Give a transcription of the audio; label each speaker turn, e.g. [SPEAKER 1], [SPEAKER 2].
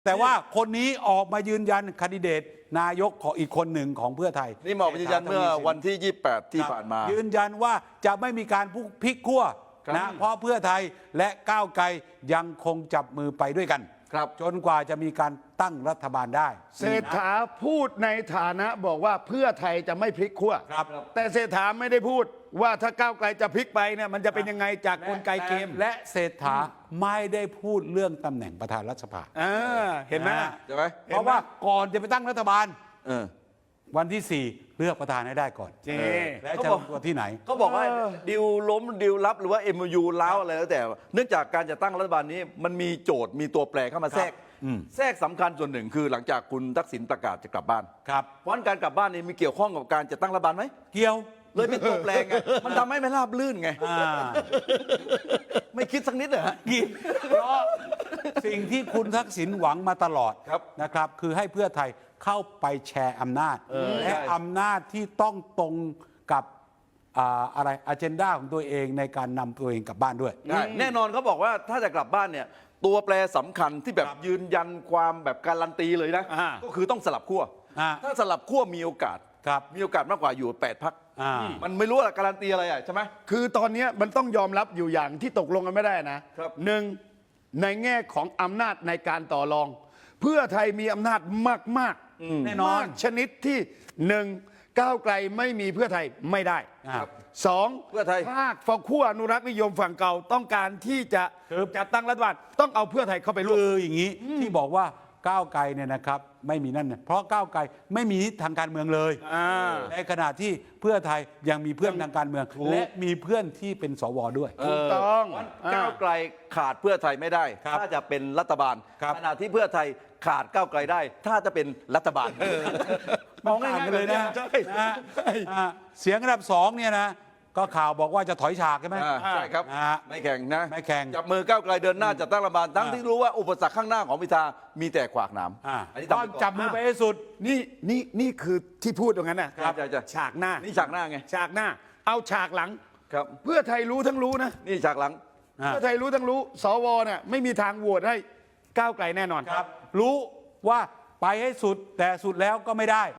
[SPEAKER 1] แต่ว่าคนนี้ออกมายืนยันแคนดิเดตนายกของอีกคนหนึ่งของเพื่อไทย
[SPEAKER 2] นี่มายืนยันเมื่อวันที่ 28 ที่ผ่านมายื
[SPEAKER 1] นยันว่าจะไม่มีการพลิกขั้วนะเพราะเพื่อไทยและก้าวไกลยังคงจับมือไปด้วยกันจนกว่าจะมีการตั้งรัฐบาลได้
[SPEAKER 3] เศรษฐาพูดในฐานะบอกว่าเพื่อไทยจะไม่พลิกขั้วแต่เศรษฐาไม่ได้พูดว่าถ้าก้าวไกลจะพลิกไปเนี่ยมันจะเป็นยังไงจากกลไกเกม
[SPEAKER 1] และเศรษฐาไม่ได้พูดเรื่องตำแหน่งประธานรัฐสภา
[SPEAKER 3] เห็นไหม
[SPEAKER 2] ใช่ไหม
[SPEAKER 1] เพราะว่าก่อนจะไปตั้งรัฐบาลวันที่ 4เลือกประธานให้ได้ก่อนและจะลงตัวที่ไหน
[SPEAKER 2] เขาบอกว่าดิวล้มดิวลับหรือว่า MOU ล้าวอะไรแล้วแต่เนื่องจากการจะตั้งรัฐบาลนี้มันมีโจทย์มีตัวแปรเข้ามาแทรกสำคัญส่วนหนึ่งคือหลังจากคุณทักษิณประกาศจะกลับบ้านเพราะการกลับบ้านนี้มีเกี่ยวข้องกับการจะตั้งรัฐบาลไหม
[SPEAKER 1] เกี่ยว
[SPEAKER 2] เลยเป็นตัวแปรไงมันทำให้ไม่ราบลื่นไงไม่คิดสักนิดเหรอ
[SPEAKER 1] เพราะสิ่งที่คุณทักษิณหวังมาตลอดนะครับคือให้เพื่อไทยเข้าไปแชร์อำนาจและอำนาจที่ต้องตรงกับอะไรอเจนดาของตัวเองในการนำตัวเองกลับบ้านด้วย
[SPEAKER 2] แน่นอนเขาบอกว่าถ้าจะกลับบ้านเนี่ยตัวแปรสำคัญที่แบบยืนยันความแบบการันตีเลยนะก็คือต้องสลับขั้วถ้าสลับขั้วมีโอกาสมากกว่าอยู่8 พรรคมันไม่รู้ว่าการันตีอะไรใช่ไหม
[SPEAKER 3] คือตอนนี้มันต้องยอมรับอยู่อย่างที่ตกลงกันไม่ได้นะหนึ่งในแง่ของอำนาจในการต่อรองเพื่อไทยมีอำนาจมาก
[SPEAKER 1] แน่นอน
[SPEAKER 3] ชนิดที่หนึ่งก้าวไกลไม่มีเพื่อไทยไม่ได้สอง
[SPEAKER 2] เพื่อไทย
[SPEAKER 3] ภาคฝั่งขั้วอนุรักษ์นิยมฝั่งเก่าต้องการที่จะตั้งรัฐบาลต้องเอาเพื่อไทยเข้าไปร่วม
[SPEAKER 1] อย่างนี้ที่บอกว่าก้าวไกลเนี่ยนะครับไม่มีนั่นเพราะก้าวไกลไม่มีทางการเมืองเลยในขณะที่เพื่อไทยยังมีเพื่อนทางการเมืองและมีเพื่อนที่เป็นสวด้วย
[SPEAKER 3] ถูกต้อง
[SPEAKER 2] ก้าวไกลขาดเพื่อไทยไม่ได้ถ้าจะเป็นรัฐบาลขณะที่เพื่อไทยขาดก้าวไกลได้ถ้าจะเป็นรัฐบาล
[SPEAKER 1] มองง่ายๆเลยนะเสียงอันดับ2เนี่ยนะก็ข่าวบอกว่าจะถอยฉากใช่ไหม
[SPEAKER 2] ใช่ครับไม่แข่งนะ
[SPEAKER 1] ไม่แข่ง
[SPEAKER 2] จับมือก้าวไกลเดินหน้าจัดตั้งรัฐบาลทั้งที่รู้ว่าอุปสรรคข้างหน้าของพิธามีแต่ขวากหนาม
[SPEAKER 1] ต้องจับมือไปให้สุด
[SPEAKER 3] นี่คือที่พูดตรงนั้นนะฉากหน้า
[SPEAKER 2] นี่ฉากหน้าไง
[SPEAKER 3] ฉากหน้าเอาฉากหลัง
[SPEAKER 2] ครับ
[SPEAKER 3] เพื่อไทยรู้ทั้งรู้นะ
[SPEAKER 2] นี่ฉากหลัง
[SPEAKER 3] เพื่อไทยรู้ทั้งรู้สวเนี่ยไม่มีทางโหวตให้ก้าวไกลแน่นอน
[SPEAKER 1] ครับรู้ว่าไปให้สุดแต่สุดแล้วก็ไม่ได้